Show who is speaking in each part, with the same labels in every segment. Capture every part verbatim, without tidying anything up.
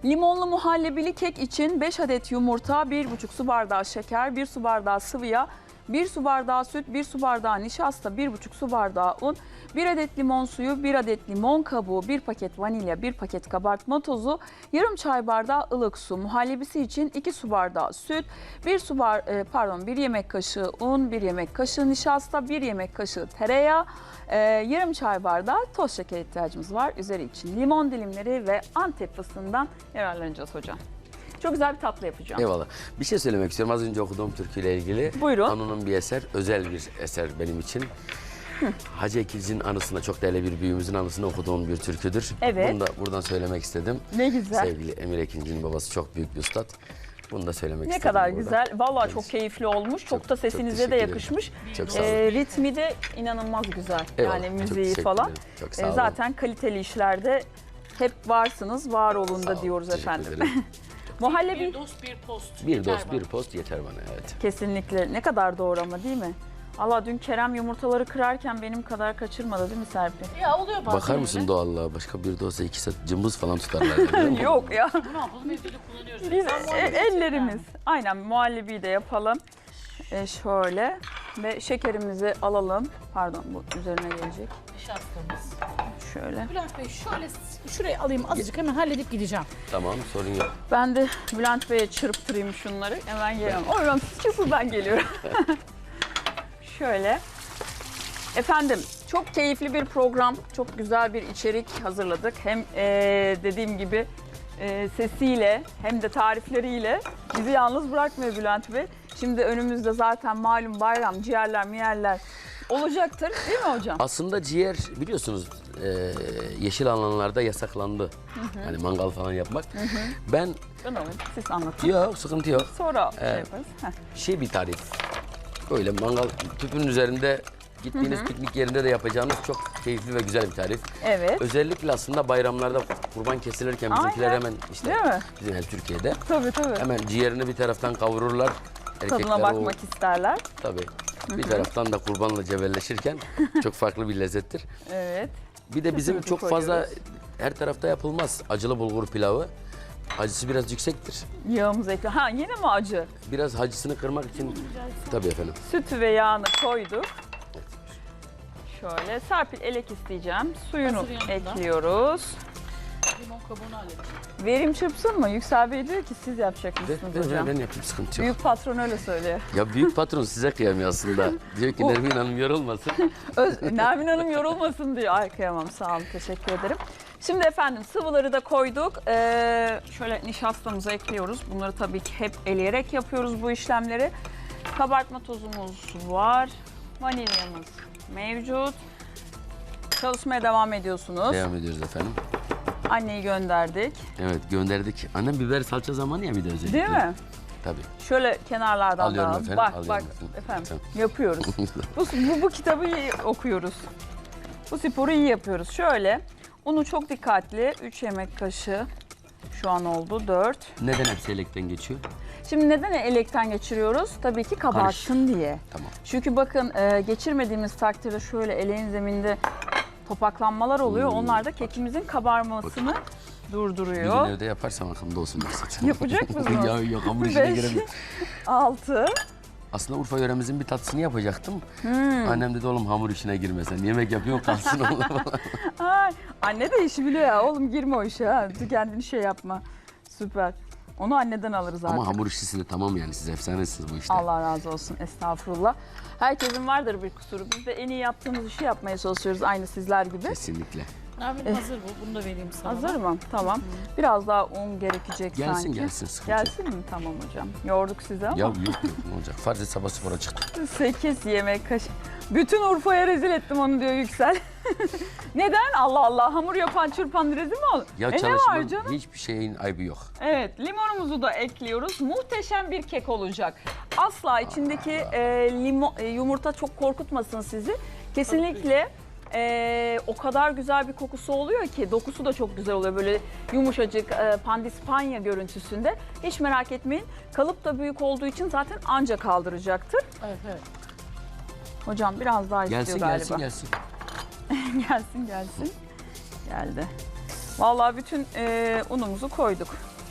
Speaker 1: Limonlu muhallebili kek için beş adet yumurta, bir buçuk su bardağı şeker, bir su bardağı sıvı yağ, bir su bardağı süt, bir su bardağı nişasta, bir buçuk su bardağı un, bir adet limon suyu, bir adet limon kabuğu, bir paket vanilya, bir paket kabartma tozu, yarım çay bardağı ılık su. Muhallebisi için iki su bardağı süt, bir su bar, pardon bir yemek kaşığı un, bir yemek kaşığı nişasta, bir yemek kaşığı tereyağı, e, yarım çay bardağı toz şeker ihtiyacımız var. Üzeri için limon dilimleri ve Antep fıstığından yararlanacağız hocam. Çok güzel bir tatlı yapacağım.
Speaker 2: Eyvallah. Bir şey söylemek istiyorum. Az önce okuduğum türküyle ilgili.
Speaker 1: Buyurun.
Speaker 2: Anunun bir eser, özel bir eser benim için. Hı. Hacı Ekilci'nin anısına, çok değerli bir büyüğümüzün anısına okuduğum bir türküdür.
Speaker 1: Evet.
Speaker 2: Bunu da buradan söylemek istedim.
Speaker 1: Ne güzel.
Speaker 2: Sevgili Emir Ekilci'nin babası çok büyük bir üstad. Bunu da söylemek
Speaker 1: ne
Speaker 2: istedim.
Speaker 1: Ne kadar
Speaker 2: burada.
Speaker 1: güzel. Vallahi
Speaker 2: Evet.
Speaker 1: çok keyifli olmuş. Çok,
Speaker 2: Çok-
Speaker 1: da
Speaker 2: çok
Speaker 1: sesinize de
Speaker 2: teşekkür
Speaker 1: yakışmış.
Speaker 2: Çok sağ olun.
Speaker 1: Ee, ritmi de inanılmaz güzel.
Speaker 2: Eyvallah,
Speaker 1: Yani
Speaker 2: çok
Speaker 1: müziği
Speaker 2: teşekkür
Speaker 1: falan.
Speaker 2: ederim. Çok sağ
Speaker 1: Ee,
Speaker 2: olun.
Speaker 1: zaten kaliteli işlerde hep varsınız. Var olun
Speaker 2: Sağ
Speaker 1: da
Speaker 2: olun,
Speaker 1: diyoruz
Speaker 2: teşekkür
Speaker 1: efendim.
Speaker 2: ederim.
Speaker 1: Muhallebi
Speaker 3: Bir dost bir post.
Speaker 2: Bir
Speaker 3: Yeter
Speaker 2: dost,
Speaker 3: bana.
Speaker 2: bir post yeter bana, evet.
Speaker 1: kesinlikle ne kadar doğru ama değil mi? Allah dün Kerem yumurtaları kırarken benim kadar kaçırmadı değil mi Serpil?
Speaker 3: Ya oluyor bazen
Speaker 2: Bakar mısın
Speaker 3: öyle.
Speaker 2: doğallığa? Başka bir dosta iki saat cımbız falan tutarlar. biliyor musun?
Speaker 1: Yok ya.
Speaker 3: Bunu yapalım evde de kullanıyoruz.
Speaker 1: Biz
Speaker 3: Ben
Speaker 1: e-
Speaker 3: muhallebi
Speaker 1: ellerimiz.
Speaker 3: yani.
Speaker 1: Aynen muhallebiyi de yapalım. E, şöyle ve şekerimizi alalım. Pardon bu üzerine gelecek.
Speaker 3: Nişastamız.
Speaker 1: Şöyle.
Speaker 3: Bülent Bey şöyle şuraya alayım azıcık hemen halledip gideceğim.
Speaker 2: Tamam, sorun yok.
Speaker 1: Ben de Bülent Bey'e çırptırayım şunları. Hemen geliyorum. O zaman siz ben geliyorum. Şöyle. Efendim çok keyifli bir program. Çok güzel bir içerik hazırladık. Hem eee, dediğim gibi eee, sesiyle hem de tarifleriyle bizi yalnız bırakmıyor Bülent Bey. Şimdi önümüzde zaten malum bayram, ciğerler, miyerler olacaktır değil mi hocam?
Speaker 2: Aslında ciğer biliyorsunuz e, yeşil alanlarda yasaklandı. Hani mangal falan yapmak. Ben
Speaker 1: Ben alayım. Siz anlatın.
Speaker 2: yok, sıkıntı yok.
Speaker 1: Sonra şey
Speaker 2: Evet.
Speaker 1: yaparız. Heh.
Speaker 2: Şey bir tarif. Böyle mangal tüpünün üzerinde gittiğiniz piknik yerinde de yapacağınız çok keyifli ve güzel bir tarif.
Speaker 1: Evet.
Speaker 2: Özellikle aslında bayramlarda kurban kesilirken bizimkiler
Speaker 1: Aynen.
Speaker 2: hemen işte
Speaker 1: Değil mi?
Speaker 2: bizim her Türkiye'de
Speaker 1: Tabii tabii.
Speaker 2: hemen ciğerini bir taraftan kavururlar.
Speaker 1: Tadına
Speaker 2: Erkekler
Speaker 1: bakmak
Speaker 2: o,
Speaker 1: isterler.
Speaker 2: tabii. Bir taraftan da kurbanla cebelleşirken çok farklı bir lezzettir.
Speaker 1: Evet.
Speaker 2: Bir de bizim
Speaker 1: Sütümüzü
Speaker 2: çok fazla
Speaker 1: koyuyoruz.
Speaker 2: her tarafta yapılmaz. Acılı bulgur pilavı. Acısı biraz yüksektir.
Speaker 1: Yağımızı ekle. Ha yine mi acı?
Speaker 2: Biraz acısını kırmak için tabii efendim.
Speaker 1: Sütü ve yağını koyduk. Şöyle Serpil elek isteyeceğim. Suyunu
Speaker 3: Hazır yanında.
Speaker 1: ekliyoruz.
Speaker 3: Limon kabuğunu halledeceğim.
Speaker 1: Verim çırpsın mı? Yüksel Bey diyor ki siz yapacak
Speaker 2: De,
Speaker 1: mısınız
Speaker 2: de,
Speaker 1: hocam?
Speaker 2: ben yapayım, sıkıntı yok.
Speaker 1: Büyük patron öyle söylüyor.
Speaker 2: Ya büyük patron size kıyamıyor aslında. Diyor ki
Speaker 1: O-
Speaker 2: Nermin Hanım yorulmasın.
Speaker 1: Öz, Nermin Hanım yorulmasın diyor. Ay kıyamam sağ olun teşekkür ederim. Şimdi efendim sıvıları da koyduk. Ee, şöyle nişastamızı ekliyoruz. Bunları tabii ki hep eleyerek yapıyoruz bu işlemleri. Kabartma tozumuz var. Vanilyamız mevcut. Çalışmaya devam ediyorsunuz.
Speaker 2: Devam ediyoruz efendim.
Speaker 1: Anneyi gönderdik.
Speaker 2: Evet gönderdik. Annem biber salça zamanı ya bir de özellikle.
Speaker 1: Değil mi?
Speaker 2: Tabii.
Speaker 1: Şöyle kenarlardan
Speaker 2: Alıyorum
Speaker 1: da
Speaker 2: efendim,
Speaker 1: bak
Speaker 2: alıyorum
Speaker 1: bak
Speaker 2: efendim.
Speaker 1: efendim
Speaker 2: Tamam.
Speaker 1: yapıyoruz. bu, bu, bu kitabı iyi okuyoruz. Bu sporu iyi yapıyoruz. Şöyle unu çok dikkatli üç yemek kaşığı şu an oldu dört.
Speaker 2: Neden hepsi elekten geçiyor?
Speaker 1: Şimdi neden elekten geçiriyoruz? Tabii ki kabarsın diye.
Speaker 2: Tamam.
Speaker 1: Çünkü bakın e, geçirmediğimiz takdirde şöyle eleğin zeminde topaklanmalar oluyor.
Speaker 2: Hmm.
Speaker 1: Onlar da kekimizin kabarmasını
Speaker 2: Bir gün
Speaker 1: durduruyor.
Speaker 2: evde yaparsam aklımda olsun maksat.
Speaker 1: Yapacak mısınız?
Speaker 2: ya yok hamur işine
Speaker 1: Beş.
Speaker 2: giremiyorum.
Speaker 1: altı.
Speaker 2: Aslında Urfa yöremizin bir tatlısını yapacaktım.
Speaker 1: Hmm.
Speaker 2: Annem dedi oğlum hamur işine girme sen. Yemek yapıyorsun kalsın oğlum.
Speaker 1: Ay, anne de işi biliyor ya. Oğlum girme o işe. Ha. Kendini şey yapma. Süper. Onu anneden alırız artık.
Speaker 2: Ama hamur işçisi de tamam yani siz efsanesiniz bu işte.
Speaker 1: Allah razı olsun. Estağfurullah. Herkesin vardır bir kusuru. Biz de en iyi yaptığımız işi yapmaya çalışıyoruz. Aynı sizler gibi.
Speaker 2: Kesinlikle.
Speaker 3: Nermin hazır bu. Bunu da vereyim sana.
Speaker 1: Hazır mı? Tamam. Biraz daha un gerekecek
Speaker 2: Gelsin
Speaker 1: sanki.
Speaker 2: gelsin sıkıntı yok.
Speaker 1: Gelsin mi? Tamam hocam. Yorduk sizi ama.
Speaker 2: Ya yok yok ne olacak? Farz et sabah spora çıktım.
Speaker 1: sekiz yemek kaşığı. Bütün Urfa'ya rezil ettim onu diyor Yüksel. Neden? Allah Allah. Hamur yapan çırpan rezil mi olur?
Speaker 2: Ya
Speaker 1: e ne var
Speaker 2: çalışmanın
Speaker 1: canım?
Speaker 2: hiçbir şeyin ayıbı yok.
Speaker 1: Evet, limonumuzu da ekliyoruz. Muhteşem bir kek olacak. Asla içindeki e, limon, e, yumurta çok korkutmasın sizi. Kesinlikle e, o kadar güzel bir kokusu oluyor ki dokusu da çok güzel oluyor. Böyle yumuşacık e, pandispanya görüntüsünde. Hiç merak etmeyin. Kalıp da büyük olduğu için zaten anca kaldıracaktır.
Speaker 3: Evet evet.
Speaker 1: Hocam biraz daha istiyor
Speaker 2: Gelsin
Speaker 1: galiba.
Speaker 2: gelsin gelsin.
Speaker 1: gelsin gelsin. Geldi. Vallahi bütün e, unumuzu koyduk.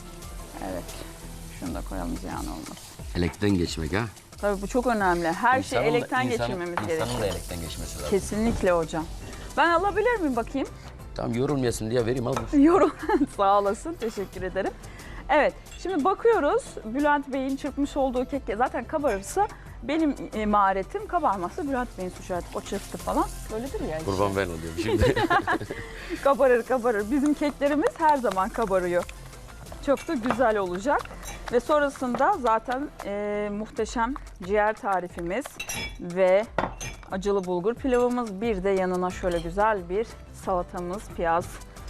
Speaker 1: Evet. Şunu da koyalım ziyan olmasın.
Speaker 2: Elekten geçmek ha.
Speaker 1: Tabii bu çok önemli. Her şeyi
Speaker 2: İnsanın da-
Speaker 1: elekten
Speaker 2: insanın-
Speaker 1: geçirmemiz
Speaker 2: İnsanın
Speaker 1: gerekiyor.
Speaker 2: da elekten geçmesi lazım.
Speaker 1: Kesinlikle hocam. Ben alabilir miyim bakayım?
Speaker 2: Tamam yorulmayasın diye vereyim al. bu.
Speaker 1: Yorum. Sağ olasın. Teşekkür ederim. Evet. Şimdi bakıyoruz. Bülent Bey'in çırpmış olduğu kek zaten kabarırsa benim e, maharetim, kabarmazsa Bülent Bey'in suçu artık. O çırptı falan. Öyledir ya. işte.
Speaker 2: Kurban ben oluyorum şimdi.
Speaker 1: Kabarır kabarır. Bizim keklerimiz her zaman kabarıyor. Çok da güzel olacak. Ve sonrasında zaten e, muhteşem ciğer tarifimiz ve acılı bulgur pilavımız. Bir de yanına şöyle güzel bir salatamız, piyaz.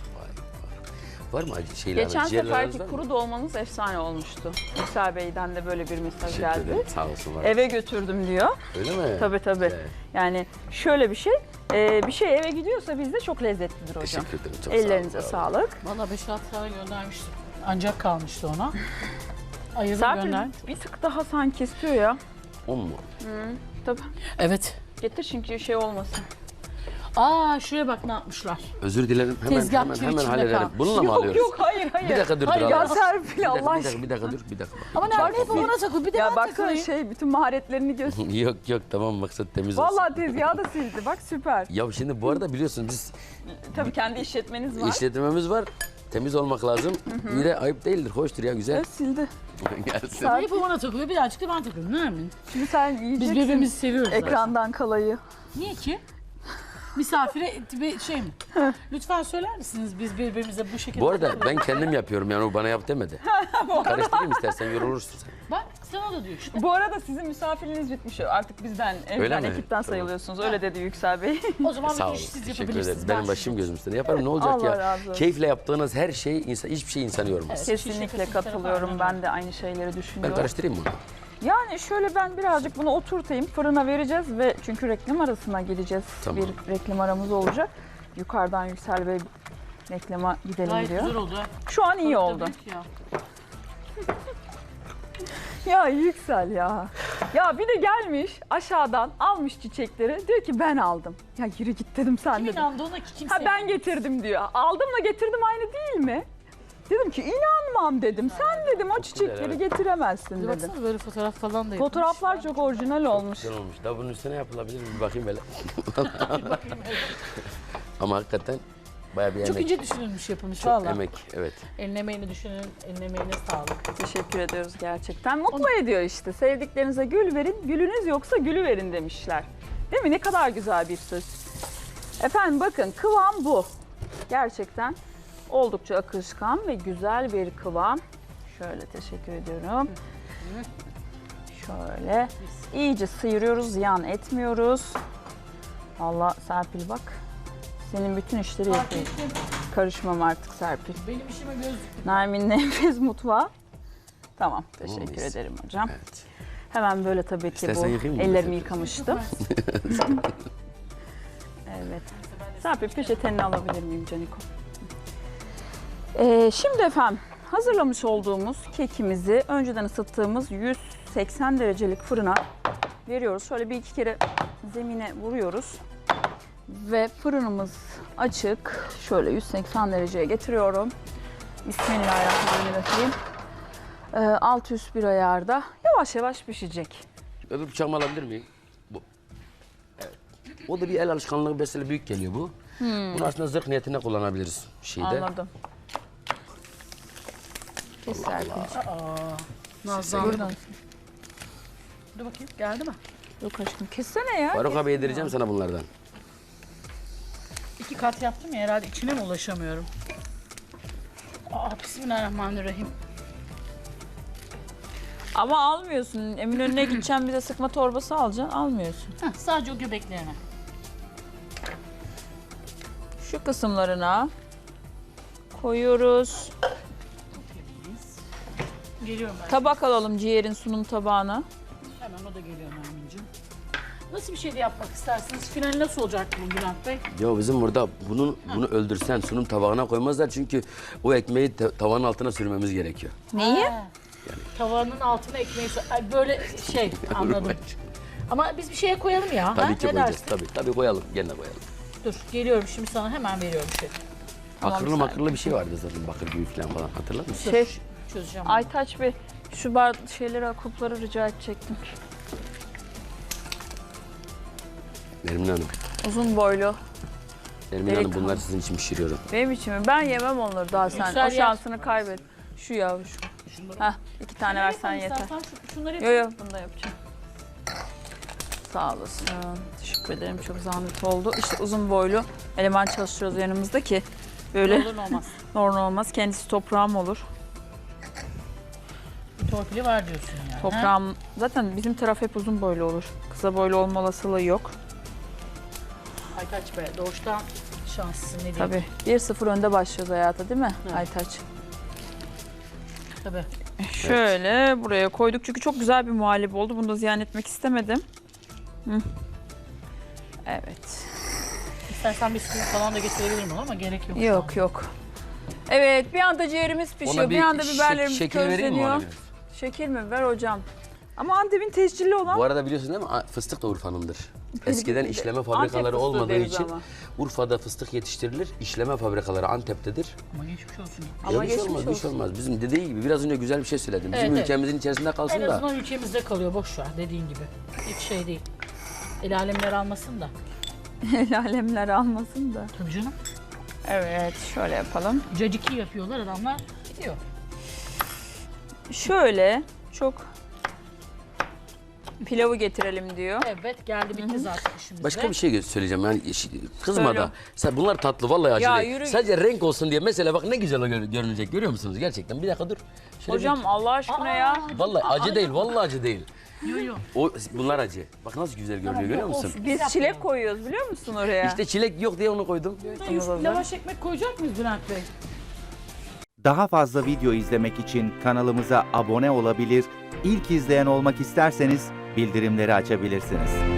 Speaker 2: Var mı acı şeyler?
Speaker 1: Geçen
Speaker 2: ciğerleriniz
Speaker 1: seferki
Speaker 2: var mı?
Speaker 1: kuru dolmanız efsane olmuştu. Yüksel Bey'den de böyle bir mesaj
Speaker 2: Teşekkür
Speaker 1: geldi.
Speaker 2: ederim. Sağ olsun. Var.
Speaker 1: Eve götürdüm diyor.
Speaker 2: Öyle mi?
Speaker 1: Tabii tabii.
Speaker 2: Evet.
Speaker 1: Yani şöyle bir şey, e, bir şey eve gidiyorsa bizde çok lezzetlidir hocam.
Speaker 2: Teşekkür ederim. Çok sağ olun,
Speaker 1: Ellerinize
Speaker 2: bravo.
Speaker 1: sağlık.
Speaker 3: Valla beş altı tane göndermiştim. Ancak kalmıştı ona. Ayırdım
Speaker 1: Serpil
Speaker 3: gönder.
Speaker 1: bir tık daha sanki istiyor ya.
Speaker 2: On mu?
Speaker 1: Tabii.
Speaker 3: Evet.
Speaker 1: Getir çünkü şey olmasın.
Speaker 3: Aa şuraya bak ne yapmışlar.
Speaker 2: Özür dilerim. Hemen
Speaker 3: Tezgah
Speaker 2: hemen
Speaker 3: kiri
Speaker 2: hemen
Speaker 3: içinde
Speaker 2: hallederim.
Speaker 3: kalmış.
Speaker 2: Bununla mı
Speaker 1: Yok
Speaker 2: alıyoruz?
Speaker 1: yok hayır hayır.
Speaker 2: Bir dakika dur
Speaker 3: Hayır,
Speaker 2: dur.
Speaker 3: ya
Speaker 2: Allah
Speaker 1: Ya
Speaker 2: aşkına.
Speaker 1: Serpil
Speaker 2: Bir dakika,
Speaker 1: Allah
Speaker 2: bir dakika,
Speaker 1: aşkına.
Speaker 2: bir dakika dur, bir dakika.
Speaker 3: Ama nerede hep ona takıl bir de
Speaker 1: Ya
Speaker 3: ben
Speaker 1: baksana
Speaker 3: takılayım.
Speaker 1: şey bütün maharetlerini göster.
Speaker 2: yok yok tamam maksat temiz olsun.
Speaker 1: Vallahi tezgahı da sildi bak süper.
Speaker 2: Ya şimdi bu arada biliyorsun biz
Speaker 1: Tabii kendi işletmeniz var.
Speaker 2: işletmemiz var. Temiz olmak lazım. Bir de ayıp değildir, hoştur ya güzel.
Speaker 1: Evet sildi.
Speaker 2: Gelsin.
Speaker 3: Hep o bana takılıyor birazcık da ben takıyorum. Ne yapayım?
Speaker 1: Şimdi sen
Speaker 3: Biz
Speaker 1: yiyeceksin
Speaker 3: birbirimizi seviyoruz zaten.
Speaker 1: ekrandan kalayı.
Speaker 3: Niye ki? Misafire bir şey mi? Lütfen söyler misiniz biz birbirimize bu şekilde...
Speaker 2: Bu arada ben kendim yapıyorum yani o bana yap demedi. Karıştırayım istersen yorulursun sen.
Speaker 3: Bak sana da diyor işte.
Speaker 1: Bu arada sizin misafiriniz bitmiş. Artık bizden,
Speaker 2: Öyle
Speaker 1: evden,
Speaker 2: mi?
Speaker 1: ekipten
Speaker 2: Tamam.
Speaker 1: sayılıyorsunuz. Öyle dedi Yüksel Bey.
Speaker 3: O zaman
Speaker 2: Sağ
Speaker 3: bir
Speaker 2: olun.
Speaker 3: iş siz
Speaker 2: Teşekkür
Speaker 3: yapabilirsiniz.
Speaker 2: ederim.
Speaker 3: Ben
Speaker 2: Benim başım
Speaker 3: şunu-
Speaker 2: gözüm üstüne yaparım. Ne olacak
Speaker 1: Allah
Speaker 2: ya?
Speaker 1: razı olsun.
Speaker 2: Keyifle yaptığınız her şey, insan, hiçbir şey insanı yormaz.
Speaker 3: Evet.
Speaker 1: Kesinlikle katılıyorum. Ben de aynı şeyleri
Speaker 2: Ben
Speaker 1: düşünüyorum.
Speaker 2: karıştırayım mı?
Speaker 1: Yani şöyle ben birazcık bunu oturtayım. Fırına vereceğiz ve çünkü reklam arasına gireceğiz.
Speaker 2: Tamam.
Speaker 1: Bir reklam aramız olacak. Yukarıdan Yüksel Bey reklama gidelim
Speaker 3: Gayet
Speaker 1: diyor.
Speaker 3: güzel oldu. ha.
Speaker 1: Şu an iyi
Speaker 3: Tabii,
Speaker 1: oldu.
Speaker 3: tabii ki ya.
Speaker 1: Ya Yüksel ya. Ya bir de gelmiş aşağıdan almış çiçekleri. Diyor ki ben aldım. Ya yürü git dedim sen
Speaker 3: Kim
Speaker 1: dedim.
Speaker 3: inandı ona ki kimse...
Speaker 1: Ha ben getirdim diyor. Aldımla getirdim aynı değil mi? Dedim ki inanmam dedim. Sen dedim o çiçekleri
Speaker 2: evet.
Speaker 1: getiremezsin
Speaker 3: Bir
Speaker 1: dedim.
Speaker 3: baksana böyle fotoğraf falan da yapmış.
Speaker 1: Fotoğraflar çok orijinal olmuş.
Speaker 2: Güzel olmuş. Daha bunun üstüne yapılabilir mi? Bir bakayım böyle. Ama hakikaten bayağı bir
Speaker 3: Çok
Speaker 2: emek.
Speaker 3: ince düşünülmüş yapılmış
Speaker 2: Çok
Speaker 3: valla.
Speaker 2: emek, evet.
Speaker 3: Eline emeğini düşünün, eline emeğine sağlık.
Speaker 1: Teşekkür ediyoruz gerçekten. Mutlu ediyor işte. Sevdiklerinize gül verin, gülünüz yoksa gülü verin demişler. Değil mi? Ne kadar güzel bir söz. Efendim bakın kıvam bu. Gerçekten oldukça akışkan ve güzel bir kıvam. Şöyle teşekkür ediyorum. Şöyle iyice sıyırıyoruz, ziyan etmiyoruz. Allah Serpil bak. Senin bütün işleri
Speaker 3: Fark
Speaker 1: yapıyorum.
Speaker 3: ettim.
Speaker 1: Karışmam artık Serpil.
Speaker 3: Benim işime göz diktim.
Speaker 1: Nermin'in enfes mutfağı. Tamam, teşekkür
Speaker 2: muyuz?
Speaker 1: ederim hocam.
Speaker 2: Evet.
Speaker 1: Hemen böyle tabii ki
Speaker 2: İstersen
Speaker 1: bu
Speaker 2: yıkayayım mı
Speaker 1: ellerimi
Speaker 2: Serpil?
Speaker 1: yıkamıştım. Evet. Serpil peçeteni alabilir miyim Caniko? Ee, şimdi efendim hazırlamış olduğumuz kekimizi önceden ısıttığımız yüz seksen derecelik fırına veriyoruz. Şöyle bir iki kere zemine vuruyoruz. Ve fırınımız açık. Şöyle yüz seksen dereceye getiriyorum. Bismillahirrahmanirrahim. Ee, alt üst bir ayarda yavaş yavaş pişecek.
Speaker 2: Öbür bıçağımı alabilir miyim? Bu. Evet. O da bir el alışkanlığı mesela büyük geliyor bu. Bunu aslında zırh niyetine kullanabiliriz şeyde.
Speaker 1: Anladım. Kes Serpil.
Speaker 3: Nazlı
Speaker 1: Buradan.
Speaker 3: Dur bakayım geldi mi?
Speaker 1: Yok aşkım kessene ya.
Speaker 2: Faruk abi yedireceğim sana bunlardan.
Speaker 3: İki kat yaptım ya herhalde içine mi ulaşamıyorum? Aa bismillahirrahmanirrahim.
Speaker 1: Ama almıyorsun. Eminönü'ne gideceğim bize sıkma torbası alacaksın. Almıyorsun.
Speaker 3: Heh, sadece o göbeklerine.
Speaker 1: Şu kısımlarına koyuyoruz.
Speaker 3: Geliyorum ben.
Speaker 1: Tabak alalım ciğerin sunum tabağına.
Speaker 3: Hemen o da geliyor Nermin'ciğim. Nasıl bir şey de yapmak istersiniz? Final nasıl olacak bu Bülent Bey?
Speaker 2: Ya bizim burada bunu bunu öldürsen sunum tabağına koymazlar çünkü o ekmeği ta- tavanın altına sürmemiz gerekiyor.
Speaker 1: Neyi?
Speaker 3: Ha, Tavanın altına ekmeği... Ay, böyle şey anladım. Ama biz bir şeye koyalım ya. ha?
Speaker 2: Tabii ki
Speaker 3: Ne
Speaker 2: koyacağız.
Speaker 3: dersin?
Speaker 2: Tabii tabii koyalım. Gene koyalım.
Speaker 3: Dur geliyorum şimdi sana hemen veriyorum şey.
Speaker 1: Tamam,
Speaker 2: Bakırlı
Speaker 1: sen-
Speaker 2: makırlı bir şey vardı zaten bakır büyük falan falan hatırlar mısın?
Speaker 1: Şef,
Speaker 3: çözeceğim.
Speaker 1: Aytaç Bey şu bar şeyleri, kupları rica edecektim.
Speaker 2: Nermin Hanım.
Speaker 1: Uzun boylu.
Speaker 2: Nermin
Speaker 1: Direkt
Speaker 2: Hanım bunlar
Speaker 1: al.
Speaker 2: sizin için pişiriyorum.
Speaker 1: Benim için mi? Ben yemem onları daha sen.
Speaker 3: Yüksel
Speaker 1: O
Speaker 3: yer.
Speaker 1: şansını kaybet. Şu ya şu. Heh, iki tane versen yeter.
Speaker 3: Şu, şunları
Speaker 1: Yo yo bunu da yapacağım. Sağ olasın. Teşekkür ederim. Çok zahmet oldu. İşte uzun boylu eleman çalıştırıyoruz yanımızda ki böyle
Speaker 3: olur olmaz.
Speaker 1: normal olmaz. Kendisi toprağım olur.
Speaker 3: Bir torpili var diyorsun yani.
Speaker 1: Toprağım zaten bizim taraf hep uzun boylu olur. Kısa boylu olma olasılığı yok.
Speaker 3: Ha? Aytaç Bey doğuştan şanslısın ne diyeyim.
Speaker 1: Tabii. bir sıfır önde başlıyoruz hayata değil mi
Speaker 3: Evet.
Speaker 1: Aytaç?
Speaker 3: Tabii.
Speaker 1: Şöyle buraya koyduk çünkü çok güzel bir muhallebi oldu. Bunu da ziyan etmek istemedim. Hı. Evet.
Speaker 3: İstersen bisküvi falan da getirebilirim ona ama gerek yok.
Speaker 1: Yok yok. Evet bir anda ciğerimiz pişiyor. Bir, anda
Speaker 2: şek-
Speaker 1: biberlerimiz
Speaker 2: şeker vereyim mi ona
Speaker 1: közleniyor.
Speaker 2: biraz?
Speaker 1: Şeker mi? Ver hocam. Ama Antep'in tescilli olan
Speaker 2: Bu arada biliyorsun değil mi? A- Fıstık da Urfa'nındır. Eskiden işleme fabrikaları
Speaker 1: fıstığı
Speaker 2: olmadığı
Speaker 1: deriz
Speaker 2: için
Speaker 1: ama.
Speaker 2: Urfa'da fıstık yetiştirilir. İşleme fabrikaları Antep'tedir.
Speaker 3: Ama geçmiş olsun.
Speaker 1: Ama
Speaker 2: Ya bir şey
Speaker 1: geçmiş
Speaker 2: olmaz, bir şey
Speaker 1: olsun.
Speaker 2: olmaz. Bizim dediği gibi biraz önce güzel bir şey söyledim. Bizim
Speaker 3: Evet, evet.
Speaker 2: ülkemizin içerisinde kalsın
Speaker 3: En
Speaker 2: da.
Speaker 3: azından ülkemizde kalıyor boş ver dediğin gibi. Hiç şey değil. El alemler almasın da.
Speaker 1: El alemler almasın da.
Speaker 3: Tabii canım.
Speaker 1: Evet şöyle yapalım.
Speaker 3: Caciki yapıyorlar adamlar gidiyor.
Speaker 1: Şöyle çok pilavı getirelim diyor.
Speaker 3: Evet geldi bitti zaten işimizde.
Speaker 2: Başka bir şey söyleyeceğim yani iş- kızma
Speaker 1: Söyle.
Speaker 2: da. Sen bunlar tatlı vallahi acı
Speaker 1: Ya
Speaker 2: değil.
Speaker 1: yürü.
Speaker 2: Sadece renk olsun diye mesela bak ne güzel gör- görünecek görüyor musunuz gerçekten? Bir dakika dur. Şöyle
Speaker 1: Hocam Allah aşkına
Speaker 3: Aa,
Speaker 1: ya.
Speaker 2: bir- vallahi acı değil vallahi acı değil.
Speaker 3: Yo yo.
Speaker 2: O bunlar acı. Bak nasıl güzel görünüyor
Speaker 3: Tamam,
Speaker 2: görüyor
Speaker 3: o
Speaker 2: musun?
Speaker 3: olsun.
Speaker 1: Biz
Speaker 3: Biz
Speaker 1: çilek
Speaker 3: yapmayalım.
Speaker 1: koyuyoruz biliyor musun oraya?
Speaker 2: İşte çilek yok diye onu koydum.
Speaker 3: Yuf- Lavaş ekmek koyacak mıyız Bülent Bey?
Speaker 4: Daha fazla video izlemek için kanalımıza abone olabilir, ilk izleyen olmak isterseniz bildirimleri açabilirsiniz.